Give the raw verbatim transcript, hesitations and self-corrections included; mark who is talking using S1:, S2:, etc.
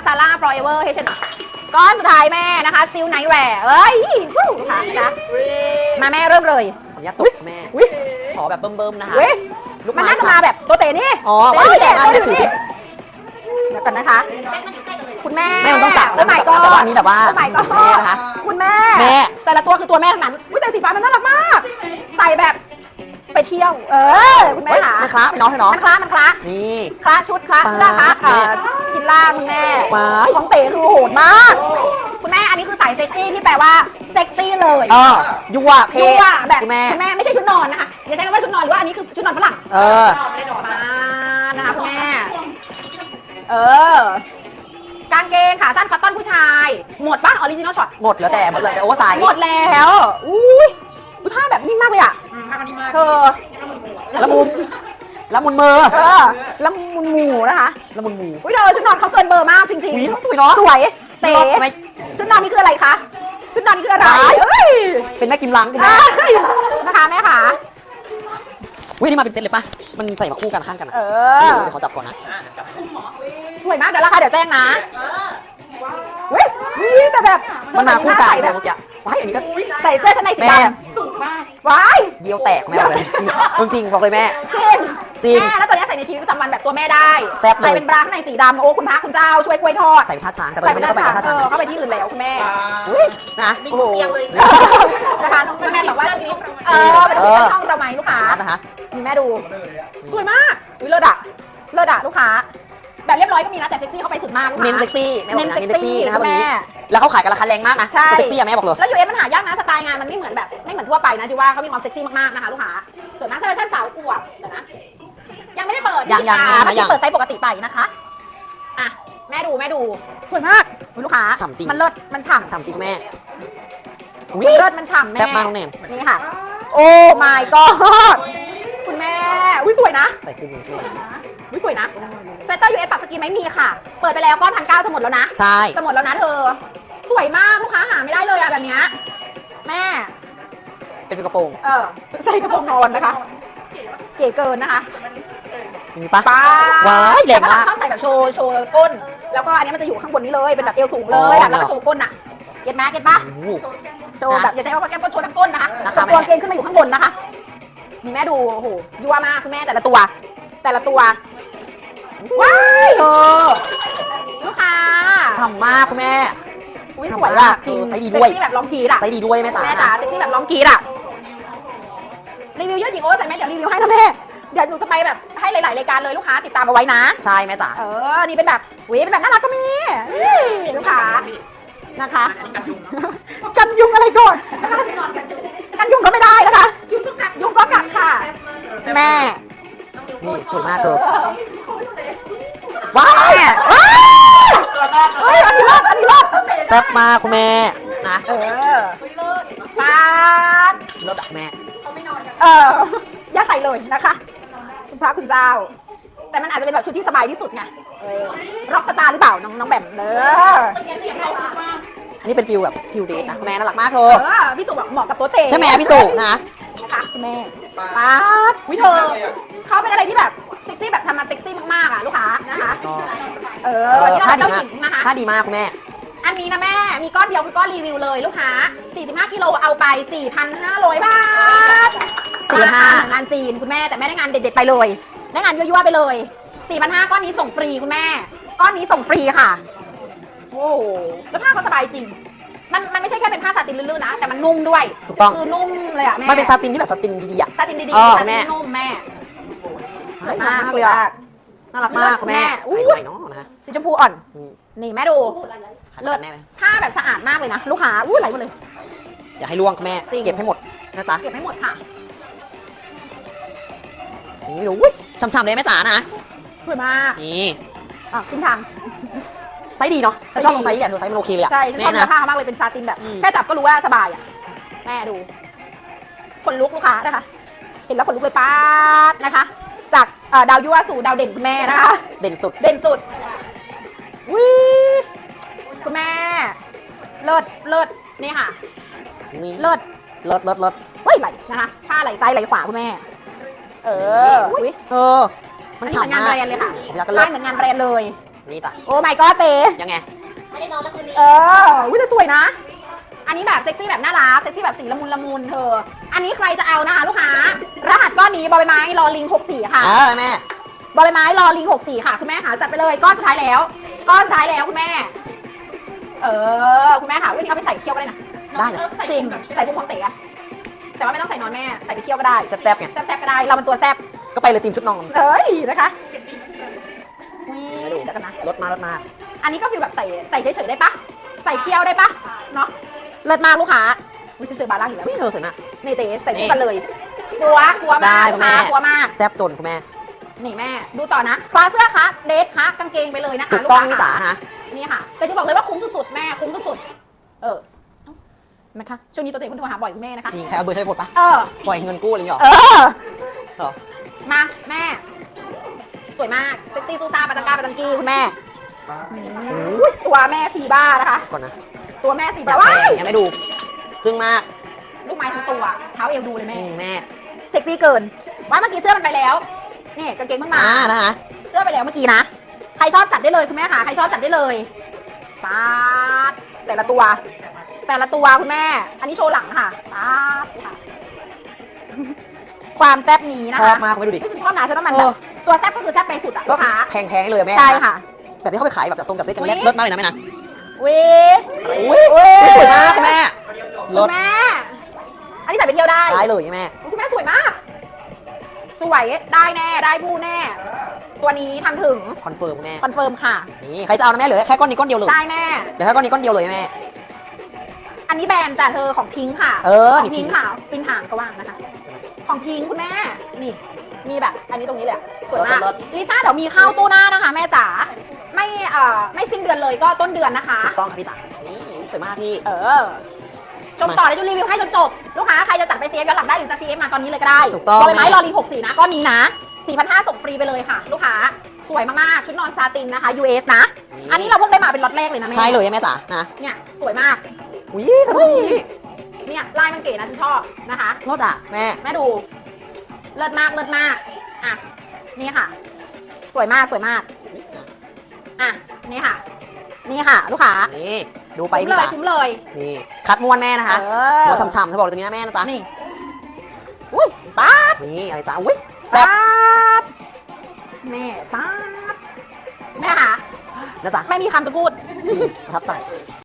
S1: ซาร่าฟลอเวอร์เฮชก้อนสุดท้ายแม่นะคะซิลไนท์แวร์เอ้ยฟู้ค่ะนะมาแม่เริ่มเลย
S2: ขออนุญาตตกแม่ขอแบบเบิ่มๆนะคะ
S1: มันน่าจะมาแบบตัวเต๋นี่
S2: อ๋อว่าเต๋มาเดี๋ยวถือ
S1: เดี๋ยวกันนะคะคุณแม่
S2: แม่มันต้องจับ
S1: โอ้ my god
S2: แต่ว่านี้แบบว่า
S1: โอ้ my god
S2: แม่นะคะ
S1: คุณแม่
S2: แม่
S1: แต่ละตัวคือตัวแม่ทั้งนั้นอุ้ยแต่สีฟ้ามันน่ารักมากใส่แบบไปเที่ยวเออคุณแม่ค่ะ
S2: มันคล้าไปน้องให้น้อง
S1: มันคล้ามันคล้า
S2: นี่
S1: คล้าชุดคล้าเสื้อคล้าชิ้นล่างคุณแม่ของเต๋คือโหดมากคุณแม่อันนี้คือสายเซ็กซี่ที่แปลว่าเซ็กซี่เลย
S2: เออยั่วเพศ
S1: แบบคุณแม่คุณแม่ไม่ใช่ชุดนอนนะคะอย่าใช้คำว่าชุดนอนหรือว่าอันนี้คือชุดนอนฝรั่ง
S2: เออ
S1: มานะคะคุณแม่เออกางเกงขาสั้นคัตตอนผู้ชายหมดป่ะออริจินอลช็อต
S2: หมดแล้วแต่หมดเลยแต่โอเวอร์ไซส์
S1: หมดแล้วอุ้ยผ้าแบบนิ่มมากเลยอ่ะเธอ
S2: ละมุนละมุนมือ
S1: เออละมุนหมูนะคะ
S2: ละมุนหมู
S1: อุ้ยเธอชุดนอนเขาเกินเบอร์มากจริง
S2: ๆสวยเนาะ
S1: สวยเต๋ชุดนอนนี่คืออะไรคะชุดนอนคืออะไร
S2: เป็นแม่กิมลังคุณแม่
S1: นะคะแม่ค่ะ
S2: วินี่มาเป็นเซตเลยป่ะมันใส่มาคู่กันข้างกันเออเดี๋ยวเขาจับก่อนนะ
S1: สวยมากเดี๋ยวราคาเดี๋ยวแจ้งนะเฮ้ยแต่แบบ
S2: มันมาคู่กันแบบเมื่อกี้ว้ายอันนี้ก็
S1: ใส่เสื้อชั้นในสีดำสูงมากว้าย
S2: เยี่ยวแตกแม่เลยจริงบอกเลยแม่
S1: จริงจริงแม่แล้วตอนนี้ใส่ในชีวิตประจำวันแบบตัวแม่ได้
S2: แซ่บเลย
S1: ใส่เป็นบราข้างในสีดำโอ้คุณพระคุณเจ้าช่วยกล้วยทอด
S2: ใส่ผ้าช้างแต่ตอนนี้ไม่ต้องไปผ้าช้าง
S1: เข้าไปที่อื่นแล้วคุณแม่
S2: นะ
S1: โอ้โหนะคะคุณแม่บอกว่าชุดนี้เออเป็นชุดช่องเราไหมลูกค้า
S2: นะคะ
S1: มีแม่ดูสวยมากวิเลิศอะเลิศอะลูกค้าแบบเรียบร้อยก็มีนะแต่เซ็กซี่เข้าไปสุดมาก
S2: เน้นเซ็กซี่
S1: เน้นเซ็กซี่นะคะตรงนี้
S2: แล้วเขาขายกันราคาแรงมากนะเซ็กซี่อะแม่บอกเลย
S1: แล้วยูเอสมันหายากนะสไตล์งานมันไม่เหมือนแบบไม่เหมือนทั่วไปนะที่ว่าเขามีความเซ็กซี่มากๆนะคะลูกค้าส่วนมากถ้าเป็นสาวอวบเดี๋ยวนะยังไม่ได้เปิด
S2: ยังยัง
S1: ไม่ได้เปิดไซส์ปกติไปนะคะอ่ะแม่ดูแม่ดูสวยมากลูกค้ามันเลิศมันฉ่ำ
S2: ฉ่ำจริงแม่
S1: เลิศมันฉ่ำแม่
S2: แซ่บมากน้องแนน
S1: นี่ค่ะโอ้ my god คุณแม่อุ้ยสวยนะ
S2: ใส่ขึ้นนี่
S1: อุ้ยสวยนะเซตเตอร์ยูเอสปรับสกินไม่มีค่ะเปิดไปแล้วก้อนพันเก้าจะหมดแล้วนะ
S2: ใช่
S1: จะหมดแล้วนะเธอสวยมากลูกค้าหาไม่ได้เลยอะแบบนี้แม่
S2: เป็นกระโปรง
S1: เออใส่กระโปรงนอนนะคะเก๋เกินนะคะ
S2: มีปะ
S1: ป้า
S2: ว้ายแรงมาก
S1: ชอบใส่แบบโชว์โชว์ก้นแล้วก็อันนี้มันจะอยู่ข้างบนนี้เลยเป็นแบบเอวสูงเลยแล้วก็โชว์ก้นอะเก็ตไหมเก็ตปะโชว์แบบอย่าใช้คำว่าแก้มก้นโชว์น้ำก้นนะคะตัวเกงขึ้นมาอยู่ข้างบนนะคะมีแม่ดูโอ้โหยั่วมากคุณแม่แต่ละตัวแต่ละตัวว้ายเออลูกค้า
S2: ฉ่ำมากคุณแม่
S1: อุ้ยสวยอะจริง
S2: ใส่ดีด้วย
S1: เซ็กซี่แบบร้องกีดอะ
S2: ใส่ดีด้วยแม่จ๋า
S1: แม่จ๋าเซ็กซี่แบบร้องกีดอะรีวิวเยอะจริงโอ้ใส่แม่เดี๋ยวรีวิวให้นะแม่เดี๋ยวหนูจะไปแบบให้หลายๆรายการเลยลูกค้าติดตามเอาไว้นะ
S2: ใช่แม่จ๋า
S1: เออนี่เป็นแบบเว้ยเป็นแบบน่ารักก็มีลูกค้านะคะกันยุงอะไรก่อนกันยุงก็ไม่ได้นะคะยุงก็กัดค่ะแม่
S2: นี่สวยมากเธอว้าว
S1: เฮ้ยอันนี้รอดอันนี้รอด
S2: แซ่บมากคุณแม่นะ
S1: เออปาด
S2: เลิศแม่
S1: เออย่าใส่เลยนะคะคุณพระคุณเจ้าแต่มันอาจจะเป็นแบบชุดที่สบายที่สุดไงร็อกสตาร์หรือเปล่าน้องน้องแบมเนอ
S2: อันนี้เป็นฟิลแบบฟิลเดทนะแม่น่ารักมากเธอ
S1: พี่สุแบบเหมาะกับตัวเตะ
S2: ใช่ไหมพี่สุนะ
S1: นะคะคุณแม่ปาดวิเธอเขาเป็นอะไรที่แบบเซ็กซี่แบบทำมาเซ็กซี่มากๆอ่ะลูกค้านะคะเออวันนี้เราเจ้าหญิงนะคะ
S2: ท่าดีมากคุณแม่
S1: อันนี้นะแม่มีก้อนเดียวคือก้อนรีวิวเลยลูกค้าสี่สิบห้ากิโลเอาไป สี่พันห้าร้อย บาทสี่พันห้าร้อยงานจีนคุณแม่แต่แม่ได้งานเด็ดๆไปเลยได้งานยั่วๆไปเลย สี่พันห้าร้อย ก้อนนี้ส่งฟรีคุณแม่ก้อนนี้ส่งฟรีค่ะโอ้แล้วผ้าเขาสบายจริงมันมันไม่ใช่แค่เป็นผ้าซาตินลื่นๆนะแต่มันนุ่มด้วย
S2: ถูกต้อง
S1: คือนุ่มเลยอ่ะแม่
S2: มันเป็นซาตินที่แบบซาตินดีๆอ่ะ
S1: ซาตินดีๆซาตินนุ่มแม่
S2: น่ารักมากเลยอ่ะน่ารักมากคุณแม่อุ้ยน้องนะ
S1: สีชมพูอ่อนนี่แม่ดู
S2: เลิศแน่เลย
S1: ผ้าแบบสะอาดมากเลยนะลูกค้าอุ้ยไหลหมดเลย
S2: อย่าให้ล่วงแม่เก็บให้หมดนะจ๊ะ
S1: เก็บให้หมดค่ะ
S2: นี่ดูช่ำๆเลยแม่จ๋านะ
S1: สวยมาก
S2: นี่
S1: อ่ะขึ้นทาง
S2: ไซส์ดีเนาะชอบตรงไซส์เนี่ยเธอไซส์มันโอเคเลยอ่ะ
S1: ใช่ชอบเนื้อผ้ามากเลยเป็นซาตินแบบแค่จับก็รู้ว่าสบายอ่ะแม่ดูคนลุกลูกค้านะคะเห็นแล้วคนลุกเลยป้าดนะคะจากดาวยั่วสู่ดาวเด่นคุณแม่นะคะ
S2: เด่นสุด
S1: เด่นสุดวิคุณแม่เลิศเลิศนี่ค่ะเลิศ
S2: เลิศเลิศเลิศ
S1: เฮ้ยไหลนะคะผ้าไหลซ้ายไหลขวาคุณแม่เออ
S2: เออมันฉ่ำมาก
S1: งานแบรนด์เลยค่ะลายเหมือนงานแบรนด์เลย
S2: นี่จ้ะ
S1: โอ้ my god เต
S2: ยังไง
S3: ไม่ได้นอนแล้วคืนนี้
S1: เอออุ้ยแต่สวยนะ อันนี้แบบเซ็กซี่แบบน่ารัก เซ็กซี่แบบสีละมุนละมุนเธอ อันนี้ใครจะเอานะคะลูกค้า รหัสก้อนนี้บอใบไม้รอลิงหกสี่ค่ะ
S2: เออแม่
S1: บอใบไม้รอลิงหกสี่ค่ะ คุณแม่หาจัดไปเลยก้อนสุดท้ายแล้ว ก้อนสุดท้ายแล้วคุณแม่ เออ คุณแม่ค่ะวันนี้เอาไปใส่เคี่ยวก็ได้นะ
S2: ได้นะ
S1: จริง ใส่พวกของเต๋อะแต่ว่าไม่ต้องใส่นอนแม่ ใส่ไปเคี่ยวก็ได้
S2: แซ่บๆไง
S1: แซ่บๆก็ได้ เราเป็นตัวแซ่บ
S2: ก็ไปเลยทีมชุดนอน
S1: เอ้ยนะคะนี่
S2: ไม่ดู
S1: เดี๋ยวกันนะ
S2: รถมารถมา
S1: อันนี้ก็ฟีลแบบใส่ใส่เฉยๆได้ปะใส่เคี่ยวได้ปะเนาะเลิศมากลูกค้าวิฉันเจอบาร่าอยู่แล้ว
S2: วิ่งเธอสวยมาก
S1: นี่เต๋ใส่คู่กันเลยกลัวกลัว
S2: ได้
S1: มาก
S2: คุณแม่
S1: ลูกค้ากลัวมาก
S2: แซ่บจนคุณแม่
S1: นี่แม่ ดูต่อนะคลาเสื้อคะเดทคะกางเกงไปเลยนะคะ
S2: ถูกต้อง
S1: ลู
S2: พี่
S1: ค้
S2: จ๋านะ
S1: นี่ค่ะ แต่จะบอกเลยว่าคุ้มสุดๆแม่คุ้มสุดๆเออเห็นะคะช่วงนี้ตัวเองคุณโทรหาบ่อยคุณแม่นะคะ
S2: จริงใครเอาเบอร์ใช้ไปหมดปะ
S1: เออ
S2: ปล่อยเงินกู้อะไรอย่างเงี้ยหร
S1: เอ
S2: อ
S1: อ
S2: เหรอ
S1: มาแม่ สวยมากเซ็กซี่ซูซ่าปาตังกาปาตังกี้คุณแม่อุ๊ยตัวแม่สีบ้านะคะ
S2: ก่อนนะ
S1: ตัวแม่สี
S2: อยา
S1: บ้าก
S2: แพ
S1: ว้าย
S2: งยังไม่ดูจึ้งมาก
S1: ลูกไม้ทั้งตัวเท้าเอวดูเลย
S2: อื
S1: แม่
S2: มแม่
S1: เซ็กซี่เกินว่าเมื่อกี้เสื้อมันไปแล้วนี่กางเกงเพิ่งมา
S2: อ่านะคะ
S1: เสื้อไปแล้วเมื่อกี้นะใครชอบจัดได้เลยคุณแม่ค่ะใครชอบจัดได้เลยป๊าดแต่ละตัว แต่ละตัวคุณแม่ อันนี้โชว์หลังค่ะป๊าดค่ะ ความแซ่บนี้นะ
S2: ชอ
S1: คะ
S2: บมากคุณแม่ดูดิ
S1: ไม่ฉันชอบนะฉันว่ามัน
S2: เอ
S1: แบ
S2: อ
S1: บตัวแซ่บก็คือแซ่บไปสุดอะ
S2: ก็
S1: ลูกค้า
S2: แพงๆเลยแม่
S1: ใช่ค่ะ
S2: แบบที่เขาไปขายแบบจัดทรงจัดเซ็ตกัน
S1: อุ๊ย
S2: เลิศมากเลยนะแม่นะ
S1: วิ
S2: อุ้ยสวยมากคุณแม่
S1: คุ
S2: รถ
S1: ณแม่ อันนี้ใส่ไปเที่ยวได้
S2: ได้เลยแม่
S1: อุ๊ยคุณแม่สวยมาก สวยได้แน่ได้ผู้แน่ ตัวนี้ทำถึง
S2: คอนเฟิร์มแม่
S1: คอนเฟิร์มค่ะ
S2: นี่ใครจะเอานะแม่เหลือแค่ก้อนนี้ก้อนเดียวเลย
S1: ได้แม่
S2: เหลือแค่ก้อนนี้ก้อนเดียวเลยแม่
S1: อันนี้แบรนด์จากเธอของพิงค์ค่ะ
S2: เออ
S1: ของ
S2: นี่
S1: พิงค์ค่ะปินหางก็ว่างนะคะ ของพิงค์คุณแม่ นี่ มีแบบ อันนี้ตรงนี้เลยอะสวยมากลิซ่าเดี๋ยวมีเข้าตู้หน้านะคะ แม่จ๋า ไม่เอ่อไม่สิ้นเดือนเลยก็ต้นเดือนนะคะ
S2: ถูกต้องครับพี่จ๋านี่สวยมากพี่
S1: เออ ชมต่อเดี๋ยวจะรีวิวให้จนจบ ลูกค้าใครจะจัดไปซีเอฟย้อนหลังได้หรือจะซีเอฟมาตอนนี้เลยก็ได้
S2: ถูกต้อง
S1: บอยไม้รอรีหกสี่นะก้อนนี้นะสี่พันห้าส่งฟรีไปเลยค่ะ ลูกค้า สวยมากๆ ชุดนอนซาตินนะคะ ยู เอส นะ อันนี้เราเพิ่งได้มาเป็นล็อตแรกเลยนะแม่
S2: ใช่เลยแม่จ๋านะ
S1: เนี่ย สวยมาก
S2: อุ้ยตัวนี้
S1: เนี่ยลายมันเก๋นะฉันชอบนะคะ
S2: รถอ่ะแม่
S1: แม่ดู เลิศมากเลิศมาก อ่ะ นี่ค่ะ สวยมากสวยมาก อ่ะ นี่ค่ะ นี่ค่ะ ลูกค้า
S2: นี่ดูไป
S1: คุ้ม
S2: พี่
S1: เลย
S2: จ๋า
S1: คุ้มเลย
S2: นี่คัดม้วนแม่นะคะ
S1: เออ
S2: ม้วนฉ่ำๆเธอบอกเลยตัวนี้นะแม่นะจ๊ะ
S1: นี่ อุ้ยป๊าด
S2: นี่อะไรจ๊ะอุ้ยแซ่บ
S1: ป๊าดแม่ป๊าดแม่ค่ะ
S2: นะจ๊ะ
S1: ไม่มีคำจะพูด
S2: ประทับใจ